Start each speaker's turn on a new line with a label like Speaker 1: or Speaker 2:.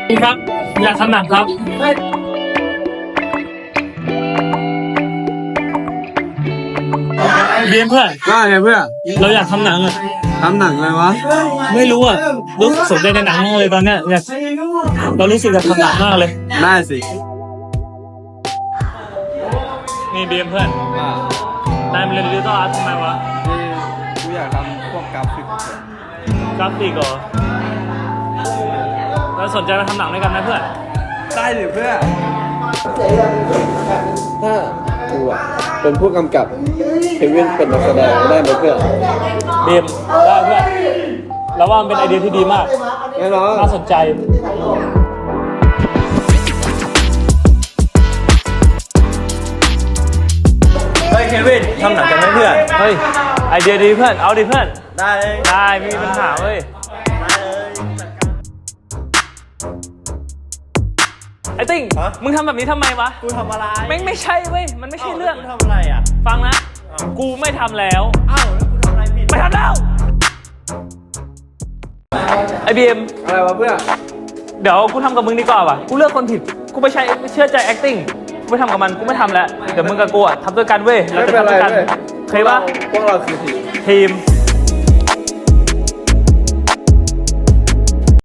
Speaker 1: ครับอยากทำหนังครับเรียนเพื่อน
Speaker 2: ว่าไงเพื่อน
Speaker 1: เราอยากทำหนังอะ
Speaker 2: ทำหนังอะไรวะ
Speaker 1: ไม่รู้อะรู้สึกสนใจในหนังมากเลยตอนเนี้ยอยากเรารู้สึกอยากทำหนังมากเลย
Speaker 2: ได้สิ
Speaker 1: นี่เบียมเพื่อนนายมาเรียนดิจิทัลอาร์ตทำไมวะ
Speaker 2: กูอยากทำพวกกราฟิก
Speaker 1: กราฟิกเหรอเราสนใจมาทำหนังด้วยกันไหมเพื่อน
Speaker 2: ได้สิเพื่อนถ้ากูอ่ะเป็นผู้กำกับเควินเป็นนักแสดงได้ไหมเพื่อน
Speaker 1: เบียมได้เพื่อนเราว่ามันเป็นไอเดียที่ดีมาก
Speaker 2: แน่นอน
Speaker 1: น่าสนใจเฮ้ยเควินทำหนังกันไหมเพื่อนเฮ้ยไอเดียดีเพื่อนเอาดิเพื่อน
Speaker 2: ได้เลย
Speaker 1: ได้ไม่มีปัญหาเว้ยไอ้ติ้งมึงทำแบบนี้ทำไมวะ
Speaker 2: กูทำอะไร
Speaker 1: ไม่ใช่เว้ยมันไม่ใช่เรื่อง
Speaker 2: กูทำอะไรอ่ะ
Speaker 1: ฟังนะกูไม่ทำแล้ว
Speaker 2: อ้าวแล้วกูทำอะไรผิด
Speaker 1: ไม่ทำแล้วไอบีเอ็ม
Speaker 2: อะไรวะเพื่อน
Speaker 1: เดี๋ยวกูทำกับมึงดีกว่าว่ะกูเลือกคนผิดกูไม่เชื่อใจ acting กูไม่ทำกับมันกูไม่ทำแล้วเดี๋ยวมึงกับกูอะทำด้วยกันเว้ยเราจะทำด้วยกันเคยปะ
Speaker 2: พวกเราคือทีม
Speaker 1: ทีม